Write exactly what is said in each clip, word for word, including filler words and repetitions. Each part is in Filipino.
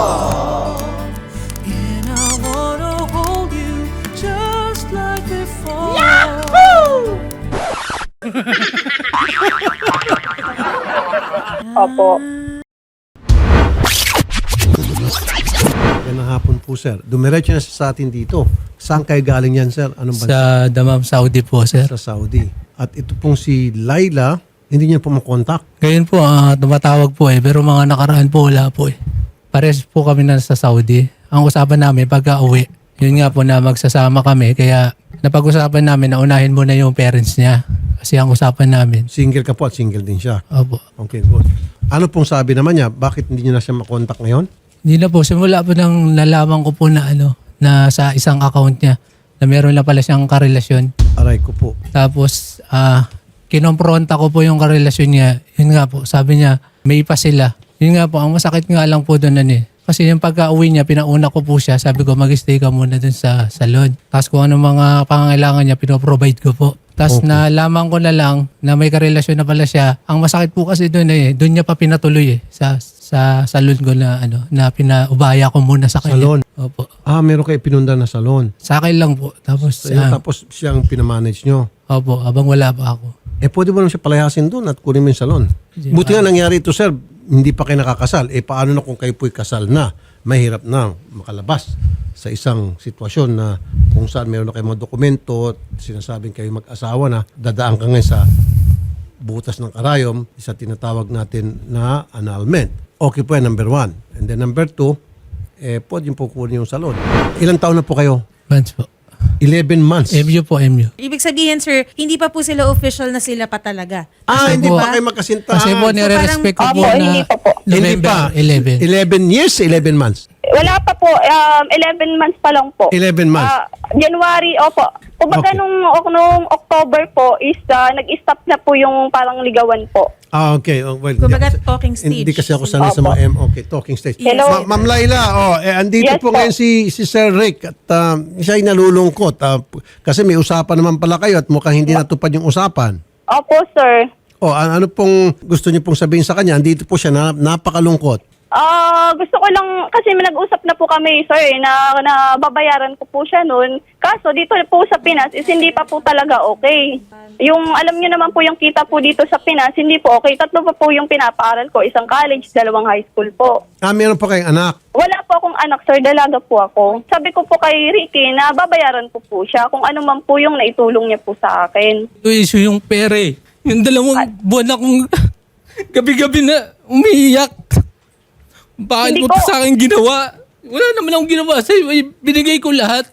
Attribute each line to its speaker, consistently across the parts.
Speaker 1: And I wanna hold you just like before.
Speaker 2: Opo.
Speaker 3: Yan ang hapon po, sir. Dumiretso na sa atin dito. Saan kayo galing yan, sir? Anong bansa?
Speaker 4: Sa Damam, Saudi po, sir.
Speaker 3: Sa Saudi. At ito pong si Laila, hindi niya po makontak.
Speaker 4: Ngayon po, ah, tumatawag po eh. Pero mga nakaraan po, wala po eh. Pares po kami na sa Saudi. Ang usapan namin pagka uwi, yun nga po na magsasama kami. Kaya napag-usapan namin na unahin muna yung parents niya. Kasi ang usapan namin.
Speaker 3: Single ka po at single din siya.
Speaker 4: Opo.
Speaker 3: Okay, good. Ano pong sabi naman niya? Bakit hindi niyo na siya makontak ngayon?
Speaker 4: Hindi na po. Simula po nang nalaman ko po na ano, na sa isang account niya, na meron na pala siyang karelasyon.
Speaker 3: Aray ko po.
Speaker 4: Tapos, ah, kinompronta ko po yung karelasyon niya. Yun nga po, sabi niya, may ipa sila. Yun nga po, ang masakit nga lang po doon ano eh. Kasi yung pagka-uwi niya, pinauna ko po siya. Sabi ko, mag-stay ka muna doon sa salon. Tapos kung ano mga pangangailangan niya, pinoprovide ko po. Tapos
Speaker 3: Okay.
Speaker 4: nalaman ko na lang na may karelasyon na pala siya. Ang masakit po kasi doon eh, doon niya pa pinatuloy eh. Sa, sa salon ko na ano, na pinaubaya ko muna sa kanya.
Speaker 3: Salon?
Speaker 4: Opo.
Speaker 3: Ah, meron kayo pinunda na salon.
Speaker 4: Sa akin lang po. Tapos,
Speaker 3: Sa'yo,
Speaker 4: ah,
Speaker 3: tapos siyang pinamanage nyo.
Speaker 4: opo, abang wala pa ako.
Speaker 3: Eh, pwede mo naman siya palayasin doon at kunin mo yung salon. Buti nga nangyari ito, sir. Hindi pa kayo nakakasal. Eh, paano na kung kayo po'y kasal na? Mahirap na makalabas sa isang sitwasyon na kung saan meron na kayong mga dokumento at sinasabing kayo mag-asawa na, dadaan ka ngayon sa butas ng karayom, isa tinatawag natin na annulment. Okay po yan, number one. And then number two, eh, pwede yung po kunin yung salon. Ilang taon na po kayo?
Speaker 4: Months po.
Speaker 3: eleven months.
Speaker 4: M U po, M U.
Speaker 5: Ibig sabihin, sir, hindi pa po sila official na sila pa talaga.
Speaker 3: Ah,
Speaker 4: Kasi
Speaker 3: hindi
Speaker 4: po-
Speaker 3: pa kayo magkasintahan.
Speaker 4: Kasi po, nire-respect ko po
Speaker 2: Opo,
Speaker 4: na
Speaker 2: hindi pa po.
Speaker 3: Hindi pa.
Speaker 4: November eleven.
Speaker 3: eleven years, eleven months.
Speaker 2: Wala pa po, um, eleven months pa lang po.
Speaker 3: eleven months.
Speaker 2: Ah, January, opo. Kumbaga
Speaker 3: Okay.
Speaker 2: nung, nung October po is ah, nag-stop na po yung parang ligawan po.
Speaker 3: Ah, okay. Oh, well,
Speaker 5: Kumbaga,
Speaker 3: hindi ako-
Speaker 5: talking stage.
Speaker 3: Hindi kasi ako sanay sa mga M. Okay, talking stage.
Speaker 2: Hello.
Speaker 3: Ma- Ma'am Laila, oh, eh, andito
Speaker 2: Yes
Speaker 3: po
Speaker 2: po.
Speaker 3: ngayon si, si Sir Rick at ah, siya ay nalulungkot. ah, p- kasi may usapan naman pala kayo at mukhang hindi natupad yung usapan.
Speaker 2: Opo, sir.
Speaker 3: Oh, an- ano pong gusto niyo pong sabihin sa kanya? Andito po siya, na, napakalungkot.
Speaker 2: Ah, gusto ko lang, kasi may nag-usap na po kami, sir, na, na babayaran ko po siya noon. Kaso dito po sa Pinas is hindi pa po talaga okay. Yung, alam niyo naman po yung kita po dito sa Pinas, hindi po okay. Tatlo pa po yung pinapaaral ko, isang college, dalawang high school po.
Speaker 3: Ah, meron pa kayong anak.
Speaker 2: Wala po akong anak, sir. Dalaga po ako. Sabi ko po kay Ricky na babayaran ko po siya kung ano man po yung naitulong niya po sa akin.
Speaker 4: Yung issue yung pere. Yung dalawang buwan akong gabi-gabi na umiiyak. Bakit
Speaker 2: Hindi
Speaker 4: mo
Speaker 2: ko-
Speaker 4: to sa akin ginawa? Wala naman akong ginawa sa'yo. Ay, binigay ko lahat.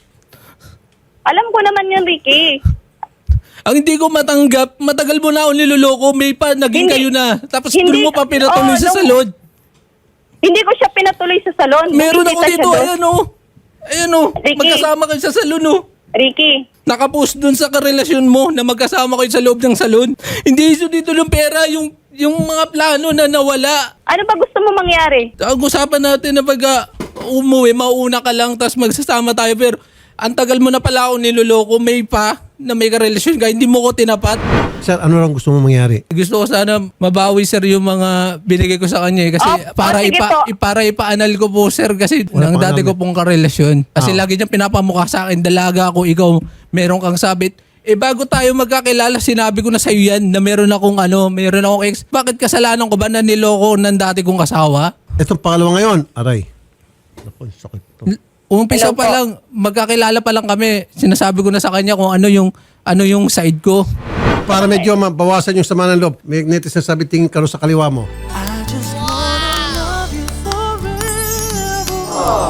Speaker 2: Alam ko naman yun, Ricky.
Speaker 4: Ang hindi ko matanggap, matagal mo na ako niloloko, may pa, naging
Speaker 2: Hindi.
Speaker 4: kayo na. Tapos
Speaker 2: Hindi.
Speaker 4: doon mo pa pinatuloy
Speaker 2: Oo,
Speaker 4: sa
Speaker 2: nung-
Speaker 4: salon.
Speaker 2: Hindi ko siya pinatuloy sa salon.
Speaker 4: Meron ako
Speaker 2: Nakikita siya
Speaker 4: dito,
Speaker 2: doon.
Speaker 4: ayan o. Ayan o,
Speaker 2: Ricky.
Speaker 4: magkasama kayo sa salon o.
Speaker 2: Ricky,
Speaker 4: Nakapost dun sa karelasyon mo na magkasama kayo sa loob ng salon. Hindi issue dito ng pera, yung, yung mga plano na nawala.
Speaker 2: ano ba gusto mo mangyari?
Speaker 4: Ang usapan natin na pag ah, umuwi, mauuna ka lang, tapos magsasama tayo. Pero ang tagal mo na pala ako niloloko, may pa na may karelasyon ka, hindi mo ko tinapat.
Speaker 3: Sir, ano lang gusto mo mangyari?
Speaker 4: Gusto ko sana mabawi sir yung mga binigay ko sa kanya eh. Kasi
Speaker 2: Oh,
Speaker 4: para
Speaker 2: oh, sige
Speaker 4: ipa,
Speaker 2: po.
Speaker 4: i- para ipaanal ko po sir kasi
Speaker 3: Wala
Speaker 4: ng
Speaker 3: pa
Speaker 4: dati
Speaker 3: alam
Speaker 4: ko
Speaker 3: eh.
Speaker 4: pong karelasyon. Kasi
Speaker 3: Ah.
Speaker 4: lagi niyang pinapamukha sa akin, dalaga ako, ikaw meron kang sabit. Eh bago tayo magkakilala, sinabi ko na sa'yo yan na meron akong ano, meron akong ex. Bakit kasalanan ko ba na niloko ng dati kong asawa?
Speaker 3: Itong pangalawa ngayon, aray. Naku, sakit to.
Speaker 4: Umpisa
Speaker 2: Hello
Speaker 4: pa
Speaker 2: po.
Speaker 4: lang, magkakilala pa lang kami. Sinasabi ko na sa kanya kung ano yung ano yung side ko.
Speaker 3: Para medyo mabawasan yung sama ng loob, may netizen sabi tingin ka ro sa kaliwa mo.
Speaker 1: I just wanna love you forever.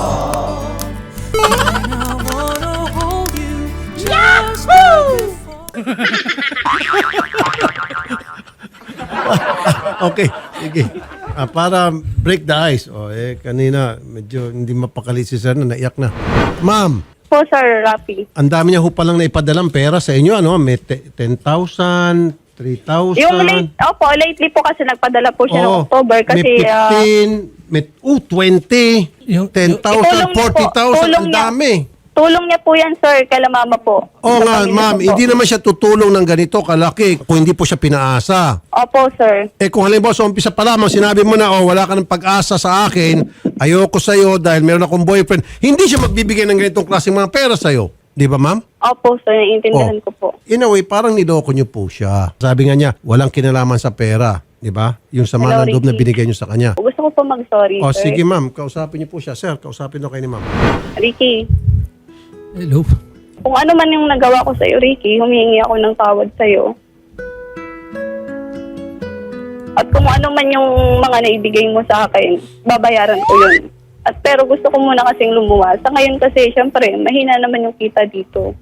Speaker 1: And I wanna hold you just like before.
Speaker 3: Okay, sige. Ah, para break the ice. Oh, eh, kanina, medyo hindi mapakali si sir na naiyak na. Ma'am,
Speaker 2: Po, Sir Rafi.
Speaker 3: ang dami niya ho palang naipadalang pera sa inyo. Ano? May te- ten thousand, three thousand.
Speaker 2: Yung late, opo, lately po kasi nagpadala po siya
Speaker 3: Oo.
Speaker 2: ng October kasi
Speaker 3: may
Speaker 2: ah,
Speaker 3: fifteen, may oh, twenty,
Speaker 4: Yung-
Speaker 3: ten thousand,
Speaker 2: Itulong niya po.
Speaker 3: forty thousand.
Speaker 2: Tulong
Speaker 3: Ang
Speaker 2: niya.
Speaker 3: dami.
Speaker 2: Tulong niya po yan, sir, kala mama po.
Speaker 3: Oo
Speaker 2: Sa
Speaker 3: nga,
Speaker 2: pamilya
Speaker 3: ma'am,
Speaker 2: ko po.
Speaker 3: hindi naman siya tutulong ng ganito kalaki kung hindi po siya pinaasa.
Speaker 2: Opo, sir.
Speaker 3: Eh kung halimbawa sa umpisa pa lamang sinabi mo na, oh, wala ka ng pag-asa sa akin, ayoko sa'yo dahil meron akong boyfriend, hindi siya magbibigay ng ganitong klaseng mga pera sa'yo. Di ba, ma'am?
Speaker 2: Opo, sir, naiintindihan
Speaker 3: Oh.
Speaker 2: ko po.
Speaker 3: In a way, parang niloko niyo po siya. Sabi nga niya, walang kinalaman sa pera. Di ba? Yung sama
Speaker 2: Hello,
Speaker 3: ng loob na
Speaker 2: Ricky.
Speaker 3: binigay niyo sa kanya.
Speaker 2: Gusto ko po mag-sorry,
Speaker 3: O
Speaker 2: sir.
Speaker 3: sige ma'am, kausapin niyo po siya. Sir, kausapin niyo kayo ni ma'am.
Speaker 2: Ricky,
Speaker 4: Hello.
Speaker 2: kung ano man yung nagawa ko sa'yo, Ricky, humihingi ako ng tawad sa'yo. At kung ano man yung mga naibigay mo sa akin, babayaran ko yun. At pero gusto ko muna kasing lumuwas. Sa ngayon kasi, syempre, mahina naman yung kita dito.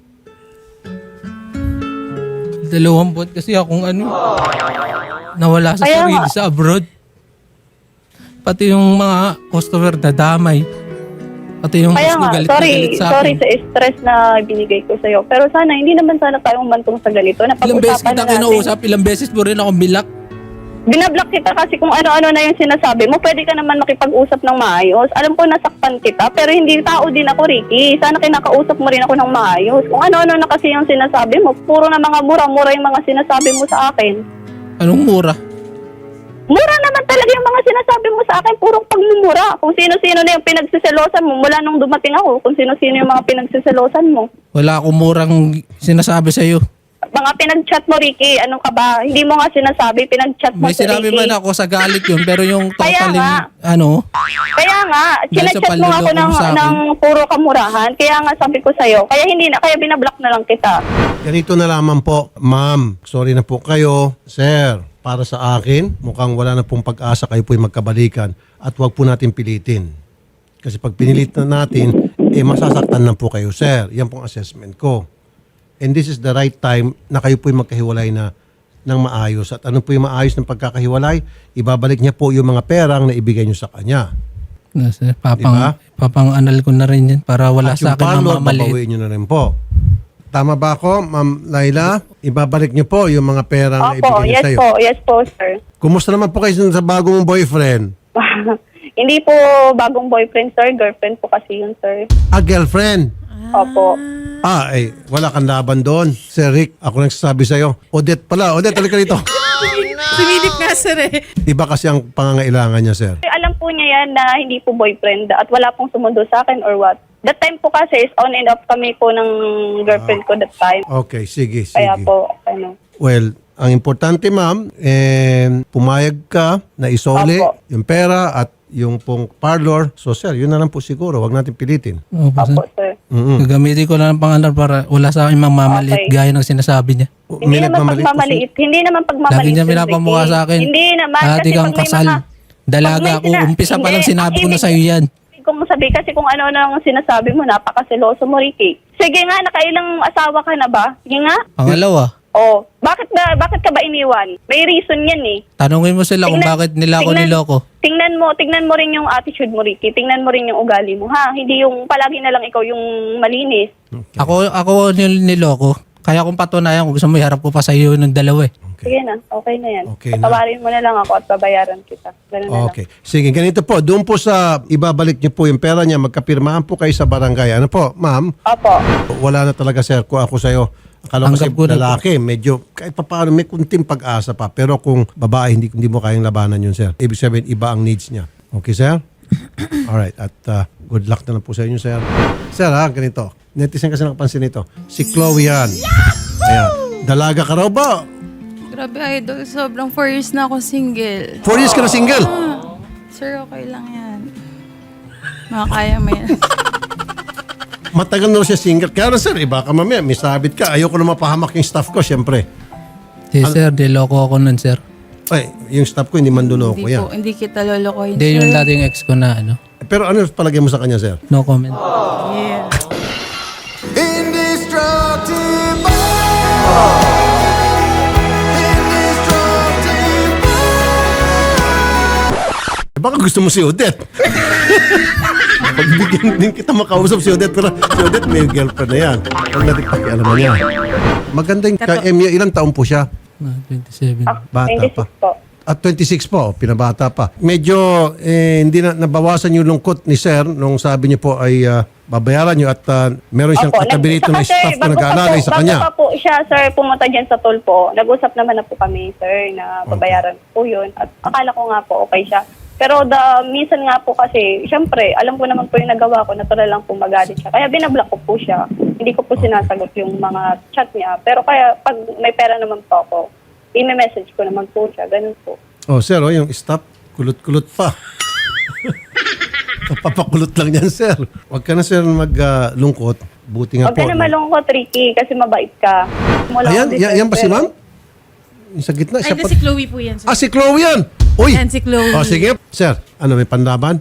Speaker 4: Dalawang buwan kasi akong ano, nawala sa
Speaker 2: Kaya
Speaker 4: sarili
Speaker 2: nga.
Speaker 4: sa abroad. Pati yung mga customer na damay. Pati yung
Speaker 2: Kaya
Speaker 4: mas
Speaker 2: nga,
Speaker 4: galit na
Speaker 2: sorry,
Speaker 4: galit sa
Speaker 2: sorry
Speaker 4: akin.
Speaker 2: sa stress na binigay ko sa'yo. Pero sana, hindi naman sana tayo umantong sa ganito.
Speaker 4: Ilang beses
Speaker 2: Napag-usapan
Speaker 4: kita
Speaker 2: na natin.
Speaker 4: kinausap, ilang beses mo rin akong bilak.
Speaker 2: Binablock kita kasi kung ano-ano na yung sinasabi mo, pwede ka naman makipag-usap ng maayos. Alam ko nasaktan kita, pero hindi tao din ako, Ricky. Sana kinakausap mo rin ako ng maayos. Kung ano-ano na kasi yung sinasabi mo, puro na mga mura-mura yung mga sinasabi mo sa akin.
Speaker 4: Anong mura?
Speaker 2: Mura naman talaga yung mga sinasabi mo sa akin, purong pagmumura. Kung sino-sino na yung pinagsiselosan mo, mula nung dumating ako, kung sino-sino yung mga pinagsiselosan mo.
Speaker 4: Wala akong murang sinasabi sa'yo.
Speaker 2: Mga pinag-chat mo, Ricky, ano ka ba? Hindi mo nga sinasabi, pinag-chat mo
Speaker 4: May
Speaker 2: si
Speaker 4: sinabi
Speaker 2: Ricky.
Speaker 4: man ako sa galit yun, pero yung
Speaker 2: Kaya
Speaker 4: totaling,
Speaker 2: nga.
Speaker 4: ano,
Speaker 2: Kaya nga,
Speaker 4: Dahil sa
Speaker 2: sinachat mo ako
Speaker 4: panluloko
Speaker 2: ng,
Speaker 4: mo sa akin.
Speaker 2: ng puro kamurahan. Kaya nga sabi ko sa'yo, kaya hindi na, kaya binablock na lang kita.
Speaker 3: Ganito na lamang po, ma'am. Sorry na po kayo. Sir, para sa akin, mukhang wala na pong pag-asa kayo po'y magkabalikan at huwag po natin pilitin. Kasi pag pinilit na natin, eh masasaktan na po kayo, sir. Yan pong assessment ko. And this is the right time na kayo po'y magkahiwalay na ng maayos. At ano po yung maayos ng pagkakahiwalay? Ibabalik niya po yung mga perang na ibigay niyo sa kanya.
Speaker 4: nasa, papang,
Speaker 3: Diba?
Speaker 4: papang anal ko na rin yan para wala
Speaker 3: At
Speaker 4: sa
Speaker 3: yung
Speaker 4: akin
Speaker 3: parlor,
Speaker 4: mamamaliit.
Speaker 3: babawiin niyo na rin po. Tama ba ako, Ma'am Laila? Ibabalik niyo po yung mga perang na
Speaker 2: Opo,
Speaker 3: ibigay niyo
Speaker 2: yes
Speaker 3: sa'yo.
Speaker 2: po, yes po, sir.
Speaker 3: Kumusta naman po kayo sa bago mong boyfriend?
Speaker 2: Hindi po bagong boyfriend, sir. Girlfriend po kasi yun, sir.
Speaker 3: Ah, girlfriend.
Speaker 2: Opo.
Speaker 3: Ah, eh, wala kang laban doon. Sir Rick, ako nagsasabi sa'yo. Odette pala. Odette, halika rito.
Speaker 5: Sumilip nga, sir eh.
Speaker 3: Iba kasi ang pangangailangan niya, sir.
Speaker 2: Alam po niya yan na hindi po boyfriend at wala pong sumundo sa akin or what. That time po kasi is on and off kami po ng girlfriend ko that time.
Speaker 3: Okay, sige, sige.
Speaker 2: Kaya po, ano.
Speaker 3: Well, ang importante, ma'am, eh, pumayag ka na isole
Speaker 2: Opo.
Speaker 3: yung pera at yung pong parlor. So, sir, yun na lang po siguro. Huwag natin pilitin.
Speaker 4: Opo, sir.
Speaker 2: Opo, sir.
Speaker 3: Mm-mm.
Speaker 4: Gagamitin ko lang ang pangalan para wala sa akin mamamaliit
Speaker 2: Okay.
Speaker 4: gaya ng sinasabi niya.
Speaker 2: Hindi naman
Speaker 3: nagmamaliit po, sir.
Speaker 2: pagmamaliit. Hindi naman pagmamaliit.
Speaker 4: Lagi niya
Speaker 2: Sir
Speaker 4: pinapamukha
Speaker 2: Ricky.
Speaker 4: sa akin.
Speaker 2: Hindi naman.
Speaker 4: Dati
Speaker 2: kasi
Speaker 4: kang
Speaker 2: pag may
Speaker 4: kasal.
Speaker 2: mga-
Speaker 4: Dalaga
Speaker 2: pag may
Speaker 4: ako.
Speaker 2: sina-
Speaker 4: Umpisa pa
Speaker 2: Hindi,
Speaker 4: lang sinabi ko na
Speaker 2: ibig-
Speaker 4: sa'yo yan.
Speaker 2: Kung sabi kasi kung ano na ang sinasabi mo, napakaseloso mo, Ricky. Sige nga, nakailang asawa ka na ba? Sige nga.
Speaker 4: Pangalawa,
Speaker 2: Oh, bakit ba bakit ka ba iniwan? May reason 'yan eh.
Speaker 4: tanungin mo sila kung
Speaker 2: Tingnan-
Speaker 4: bakit nila ako
Speaker 2: tingnan-
Speaker 4: niloko.
Speaker 2: Tingnan mo, tingnan mo rin yung attitude mo, Ricky. Tingnan mo rin yung ugali mo, ha? Hindi yung palagi na lang ikaw yung malinis.
Speaker 4: Ako ako nil niloko. Kaya kung patunayan, kung gusto mo, iharap ko pa sa iyo ng dalawa eh.
Speaker 2: Sige na, okay na yan.
Speaker 3: Okay na.
Speaker 2: Patawarin mo na lang ako at babayaran kita. Ganun na lang.
Speaker 3: Okay. Sige, ganito po. Doon po sa ibabalik niyo po yung pera niya, magkapirmahan po kayo sa barangay. Ano po, ma'am?
Speaker 2: Opo.
Speaker 3: Wala na talaga, sir, ko ako sa'yo. Akala ko
Speaker 4: Tanggap
Speaker 3: kasi
Speaker 4: ko na po.
Speaker 3: lalaki, medyo kahit pa paano may kunting pag-asa pa. Pero kung babae, hindi, hindi mo kayang labanan yun, sir. Ibig sabihin, iba ang needs niya. Okay, sir? Alright. At uh, good luck na lang po sa inyo, sir. Sir, ha, ganito. Netizen kasi nakapansin nito. Si Chloe yan. Ayan. Dalaga ka raw ba?
Speaker 6: Grabe, idol. Sobrang four years na ako single.
Speaker 3: Four years ka na single?
Speaker 6: Sir, okay lang yan. Makakaya mo yan.
Speaker 3: Matagal na raw siya single. Kaya na, sir, iba ka mamaya. May sabit ka. Ayoko na mapahamak yung staff ko, syempre.
Speaker 4: Si sir, niloko ako nun, sir.
Speaker 3: Ay, yung staff ko, hindi man duloko
Speaker 6: hindi
Speaker 3: yan.
Speaker 6: po, hindi kita lolokohin,
Speaker 4: Hindi
Speaker 6: sir.
Speaker 4: yung dating ex ko na ano.
Speaker 3: Pero ano palagay mo sa kanya, sir?
Speaker 4: No comment.
Speaker 6: Yeah.
Speaker 3: Eh, baka gusto mo si Odette. Pagbigyan din kita makausap si Odette. Pero si Odette may girlfriend na yan. Huwag natin pakialaman niya. Maganda yung kay Emya. Ilang taon po siya?
Speaker 4: Ah, twenty-seven.
Speaker 2: Ah,
Speaker 3: Bata
Speaker 2: twenty-six
Speaker 3: pa.
Speaker 2: po.
Speaker 3: At twenty-six po, pinabata pa. Medyo eh, hindi na nabawasan yung lungkot ni Sir nung sabi niyo po ay ah, babayaran nyo at uh, meron siyang
Speaker 2: Opo,
Speaker 3: katabi rito na
Speaker 2: nag- saka,
Speaker 3: staff
Speaker 2: sir,
Speaker 3: na
Speaker 2: bago pa
Speaker 3: nag-aalalay
Speaker 2: po-
Speaker 3: sa kanya.
Speaker 2: Bago pa po siya, sir, pumunta dyan sa tulpo. Nag-usap naman na po kami, sir, na babayaran po yun. At akala ko nga po okay siya. Pero the, minsan nga po kasi, syempre, alam ko naman po yung nagawa ko, natural lang po magalit siya. Kaya binablock ko po siya. Hindi ko po sinasagot yung mga chat niya. Pero kaya pag may pera naman po ako, i-message ko naman po siya. Ganun po.
Speaker 3: Oh, sir, oh, yung stop, kulot-kulot pa. Papakulot lang yan, sir. Huwag ka na, sir, maglungkot. Buti nga
Speaker 2: Huwag
Speaker 3: po.
Speaker 2: ka na malungkot, Ricky, kasi mabait ka. Wala
Speaker 3: Ayan,
Speaker 2: akong
Speaker 3: yan, yan ba si
Speaker 2: deserve,
Speaker 3: ma'am? Yung sa gitna.
Speaker 5: Ay,
Speaker 3: siya
Speaker 5: di
Speaker 3: pa-
Speaker 5: si Chloe po yan, sir.
Speaker 3: Ah, si Chloe yan! Uy!
Speaker 5: Yan, si Chloe.
Speaker 3: Oh, sige. Sir, ano, may panlaban?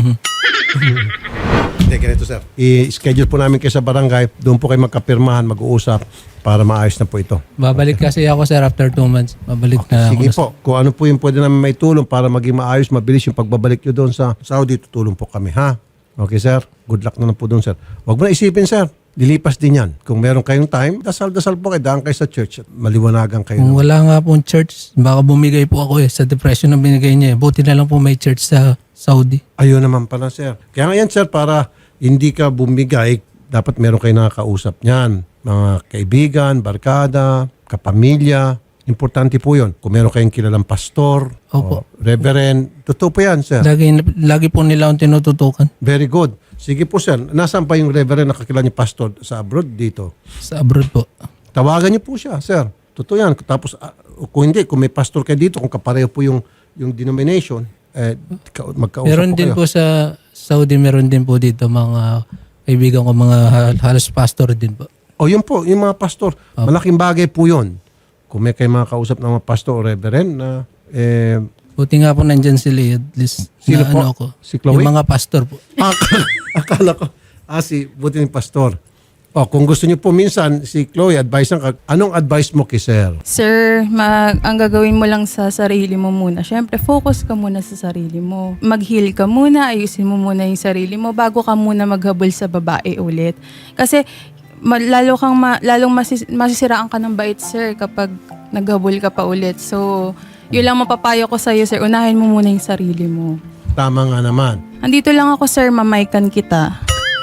Speaker 3: Hindi, ganito, sir. I-schedule po namin kayo sa barangay. Doon po kayo magkapirmahan, mag-uusap para maayos na po ito.
Speaker 4: Babalik kasi ako, sir, after two months. Babalik na ako.
Speaker 3: Sige
Speaker 4: na-
Speaker 3: po. Kung ano po yung pwede namin may tulong para maging maayos, mabilis yung pagbabalik nyo doon sa Saudi, tutulong po kami, ha? Okay, sir? Good luck na lang po doon, sir. Huwag mo na isipin, sir. Lilipas din yan. Kung meron kayong time, dasal-dasal po kayo. Daan kayo sa church at maliwanagan kayo.
Speaker 4: Kung wala nga pong church, baka bumigay po ako eh sa depression na binigay niya. eh. Buti na lang po may church sa Saudi.
Speaker 3: Ayun naman pala, sir. Kaya nga yan, sir, para hindi ka bumigay, dapat meron kayo nakakausap niyan. Mga kaibigan, barkada, kapamilya. Importante po yun. Kung meron kayong kilalang pastor, o
Speaker 4: Opo.
Speaker 3: reverend, totoo po yan, sir.
Speaker 4: Lagi, lagi po nila akong tinututukan
Speaker 3: Very good. Sige po, sir. Nasaan pa yung reverend na kakilala niyo pastor sa abroad dito?
Speaker 4: sa abroad po.
Speaker 3: Tawagan niyo po siya, sir. Totoo yan. Tapos, ah, kung hindi, kung may pastor kayo dito, kung kapareho po yung, yung denomination, eh, ka- magkausap
Speaker 4: Meron
Speaker 3: po
Speaker 4: din
Speaker 3: kayo.
Speaker 4: po sa Saudi, meron din po dito mga kaibigan ko, mga hal- halos pastor din po.
Speaker 3: O yun po, yung mga pastor. Malaking bagay po yun. Kung may kayo mga kausap ng mga pastor o reverend na eh,
Speaker 4: Buti nga po nandyan sila, at least
Speaker 3: Sino
Speaker 4: na
Speaker 3: po?
Speaker 4: ano ako.
Speaker 3: Si Chloe?
Speaker 4: Yung mga pastor po.
Speaker 3: akala, akala ko, ah, si buti yung pastor. O, kung gusto niyo po minsan, si Chloe, advice ka, anong advice mo kay sir?
Speaker 6: Sir, mag, ang gagawin mo lang sa sarili mo muna. Siyempre, focus ka muna sa sarili mo. Mag-heal ka muna, ayusin mo muna yung sarili mo bago ka muna maghabol sa babae ulit. Kasi ma- lalo kang ma- lalong masis- masisiraan ka ng bait, sir, kapag naghabol ka pa ulit. So, yun lang mapapayo ko sa'yo, sir. Unahin mo muna yung sarili mo.
Speaker 3: Tama nga naman.
Speaker 6: Andito lang ako, sir. Mamaykan kita.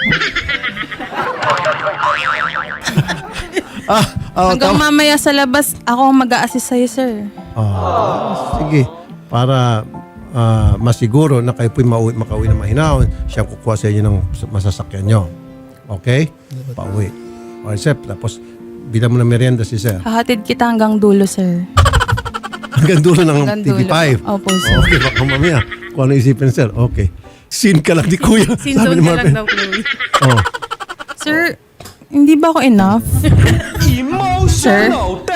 Speaker 3: Ah, oh,
Speaker 6: Hanggang
Speaker 3: tama.
Speaker 6: mamaya sa labas, ako ang mag-a-assist sa'yo, sir.
Speaker 3: Ah, sige. Para ah, masiguro na kayo po'y mauwi, makauwi na mahinahon, siya ang kukuha sa inyo ng masasakyan nyo. Okay? Pauwi. Alright, sir. Tapos, bilang mo na merienda si sir.
Speaker 6: Hahatid kita hanggang dulo, sir.
Speaker 3: Hanggang dulo ng
Speaker 6: Hanggang
Speaker 3: T V five.
Speaker 6: dulo. Opo, sir.
Speaker 3: Okay, baka mamaya. Kung ano isipin, sir. Okay. Sin ka lang ni Kuya.
Speaker 5: Sinzone
Speaker 3: ni
Speaker 5: ka
Speaker 3: Marvin.
Speaker 5: lang daw, Chloe.
Speaker 3: Oh.
Speaker 6: Sir, hindi ba ako enough? Sir?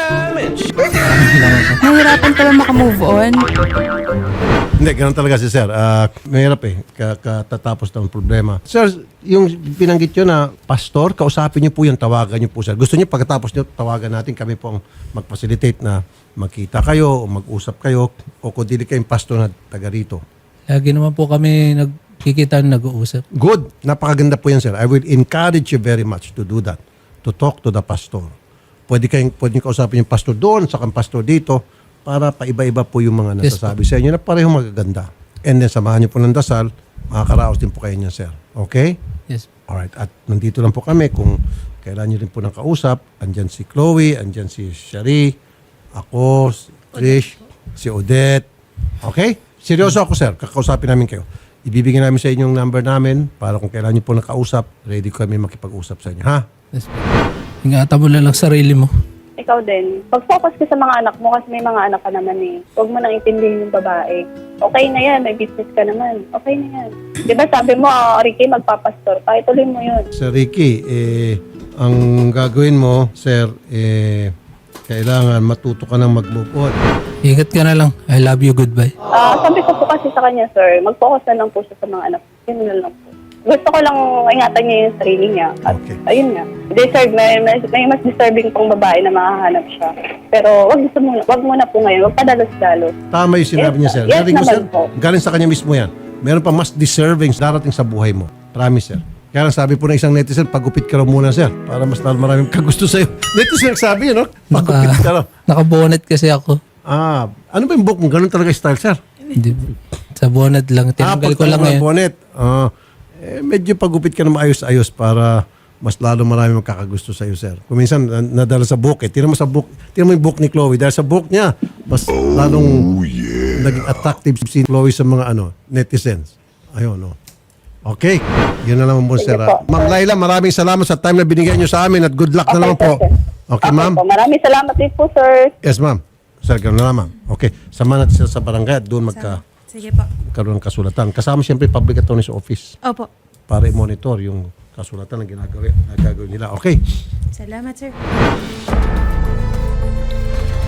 Speaker 6: Nahirapan ka ba makamove on?
Speaker 3: Hindi, ganun talaga si sir. Ah, mahirap eh. Ka- Katatapos ng problema. Sir, yung binanggit nyo na pastor, kausapin nyo po yung tawagan nyo po, sir. Gusto nyo pagkatapos nyo, tawagan natin. Kami po ang mag-facilitate na magkita kayo o mag-usap kayo o kung dili kayong pastor na taga rito.
Speaker 4: Lagi naman po kami nagkikita, nag-uusap.
Speaker 3: Good. Napakaganda po yan, sir. I will encourage you very much to do that. To talk to the pastor. Pwede kayong, pwede nyo kausapin yung pastor doon, sa kang pastor dito, para paiba-iba po yung mga
Speaker 4: Yes,
Speaker 3: nasasabi sa inyo na parehong magaganda. And then, samahan nyo po ng dasal, makakaraos din po kayo niyan, sir. Okay?
Speaker 4: Yes.
Speaker 3: Alright. At nandito lang po kami kung kailan nyo rin po ng kausap. Andyan si Chloe, andyan si Shari, ako, si Trish, si Odette. Okay? Seryoso ako, sir. Kakausapin namin kayo. Ibibigyan namin sa inyo yung number namin para kung kailan nyo po nakausap, ready kami makipag-usap sa inyo. Ha?
Speaker 4: Yes. Ingatan mo na lang sarili mo.
Speaker 2: Ikaw din. Pag-focus ka sa mga anak mo kasi may mga anak ka naman eh. Huwag mo nang intindihin yung babae. Okay na yan, may business ka naman. Okay na yan. Di ba sabi mo, ah, Ricky, magpapastor pa. Ituloy mo yun.
Speaker 3: Sir Ricky, eh, ang gagawin mo, sir, eh, kailangan matuto ka ng mag-move on.
Speaker 4: Ingat ka na lang. I love you. Goodbye.
Speaker 2: Ah, sabi ko po kasi sa kanya, sir, mag-focus na lang po siya sa mga anak. Yun na lang po. Gusto ko lang ingatan niya yung sarili niya. At
Speaker 3: Okay.
Speaker 2: ayun nga. Deserve, may, may, may mas deserving pang babae na makahanap siya. Pero wag gusto muna, wag muna po ngayon. Wag padalos-dalos.
Speaker 3: Tama yung sinabi
Speaker 2: Yes,
Speaker 3: niya, sir.
Speaker 2: yes
Speaker 3: Narinig mo,
Speaker 2: naman
Speaker 3: sir?
Speaker 2: po.
Speaker 3: Galing sa kanya mismo yan. Meron pa mas deserving darating sa buhay mo. Promise, sir. Kaya lang sabi po ng isang netizen, pagupit ka raw muna, sir. Para mas maraming kagusto sa'yo. Netizen nagsabi yun, no? Pagupit ka raw.
Speaker 4: Naka-bonnet kasi ako.
Speaker 3: Ah, ano ba yung book mo? Ganun talaga style, sir?
Speaker 4: Hindi. Sa bonnet lang. Tinanggal ko
Speaker 3: pagka
Speaker 4: lang
Speaker 3: ng
Speaker 4: ngayon.
Speaker 3: bonnet. Ah, eh, medyo pagupit ka na maayos-ayos para mas lalo marami magkakagusto sa iyo, sir. Kung minsan na- nadala sa book, eh. Tingnan mo sa book, tingnan mo yung book ni Chloe. Dahil sa book niya, mas lalong naging attractive si Chloe sa mga ano netizens. Ayun, no. Okay. Yun na naman po, sir.
Speaker 2: Sige po,
Speaker 3: ah. Ma'am Laila, maraming salamat sa time na binigyan niyo sa amin at good luck na naman po.
Speaker 2: sir.
Speaker 3: Okay, ma'am?
Speaker 2: po. Maraming salamat din po, sir.
Speaker 3: Yes, ma'am. Sir, gano'n na, ma'am. Okay. Samahan natin sila sa barangay at doon magka
Speaker 5: Sige po.
Speaker 3: karoon ng kasulatan. Kasama siyempre public attorney's office
Speaker 5: Opo.
Speaker 3: para i-monitor yung kasulatan na ginagawa, na gagawin nila. Okay.
Speaker 5: Salamat, sir.